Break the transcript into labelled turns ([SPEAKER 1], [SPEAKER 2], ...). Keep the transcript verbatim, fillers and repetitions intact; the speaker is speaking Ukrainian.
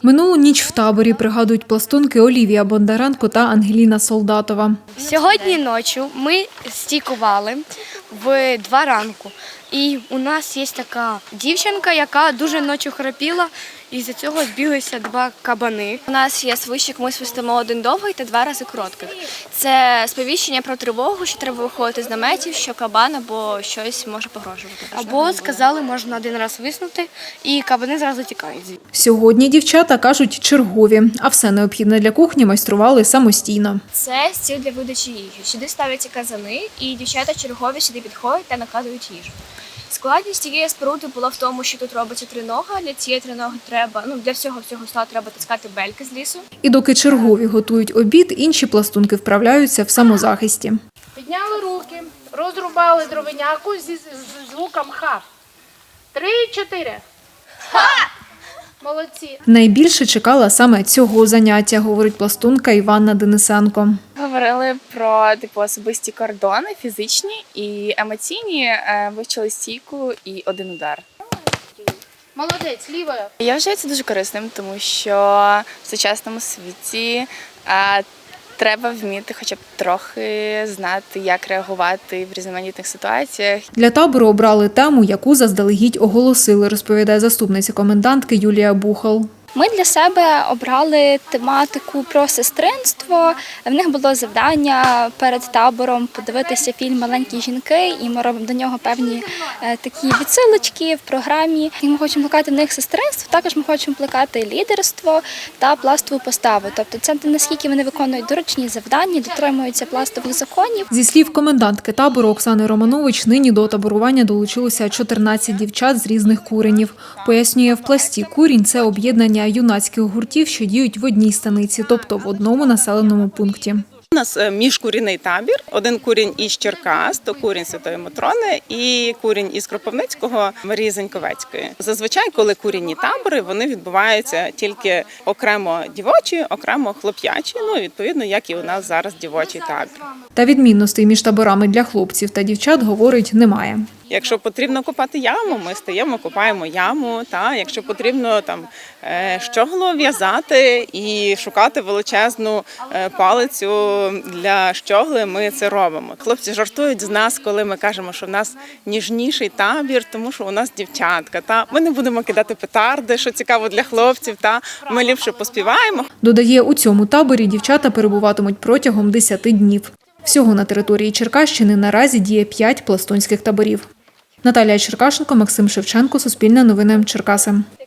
[SPEAKER 1] Минулу ніч в таборі пригадують пластунки Олівія Бондаренко та Ангеліна Солдатова.
[SPEAKER 2] Сьогодні ночі ми стійкували в два ранку. І у нас є така дівчинка, яка дуже ночі храпіла, і з-за цього збіглися два кабани.
[SPEAKER 3] У нас є свищик, ми свистимо один довгий та два рази коротких. Це сповіщення про тривогу, що треба виходити з наметів, що кабан або щось може погрожувати.
[SPEAKER 2] Або сказали, можна один раз виснути, і кабани зразу тікають.
[SPEAKER 1] Сьогодні дівчата, кажуть, чергові, а все необхідне для кухні майстрували самостійно.
[SPEAKER 3] Це стіл для видачі їжі. Сюди ставляться казани, і дівчата чергові сюди підходять та накладують їжу. Складність цієї споруди була в тому, що тут робиться тринога. Для цієї триноги треба, ну для всього всього стола треба таскати бельки з лісу.
[SPEAKER 1] І доки чергові готують обід, інші пластунки вправляються в самозахисті.
[SPEAKER 4] Підняли руки, розрубали дровиняку зі звуком ха. Три, чотири. Ха! Молодці.
[SPEAKER 1] Найбільше чекала саме цього заняття, говорить пластунка Іванна Денисенко.
[SPEAKER 5] Говорили про типу особисті кордони, фізичні і емоційні, вивчили стійку і один удар.
[SPEAKER 4] Молодець, лівою.
[SPEAKER 5] Я вважаю це дуже корисним, тому що в сучасному світі треба вміти хоча б трохи знати, як реагувати в різноманітних ситуаціях.
[SPEAKER 1] Для табору обрали тему, яку заздалегідь оголосили, розповідає заступниця комендантки Юлія Бухал.
[SPEAKER 3] Ми для себе обрали тематику про сестринство. В них було завдання перед табором подивитися фільм «Маленькі жінки», і ми робимо до нього певні е, такі відсилочки в програмі. І ми хочемо плекати в них сестринство, також ми хочемо плекати лідерство та пластову поставу. Тобто це наскільки вони виконують доручні завдання, дотримуються пластових законів.
[SPEAKER 1] Зі слів комендантки табору Оксани Романович, нині до таборування долучилося чотирнадцять дівчат з різних куренів. Пояснює, в пласті курінь – це об'єднання юнацьких гуртів, що діють в одній станиці, тобто в одному населеному пункті.
[SPEAKER 6] У нас міжкурінний табір. Один курінь із Черкас, то курінь Святої Матрони, і курінь із Кропивницького, Марії Заньковецької. Зазвичай, коли курінні табори, вони відбуваються тільки окремо дівочі, окремо хлоп'ячі, ну, відповідно, як і у нас зараз дівочий табір.
[SPEAKER 1] Та відмінностей між таборами для хлопців та дівчат, говорить, немає.
[SPEAKER 6] Якщо потрібно копати яму, ми стаємо, копаємо яму. Та якщо потрібно там щогло в'язати і шукати величезну палицю для щогли, ми це робимо. Хлопці жартують з нас, коли ми кажемо, що в нас ніжніший табір, тому що у нас дівчатка. Та ми не будемо кидати петарди, що цікаво для хлопців. Та ми ліпше поспіваємо.
[SPEAKER 1] Додає, у цьому таборі дівчата перебуватимуть протягом десяти днів. Всього на території Черкащини наразі діє п'ять пластунських таборів. Наталія Черкашенко, Максим Шевченко, Суспільне новини, Черкаси.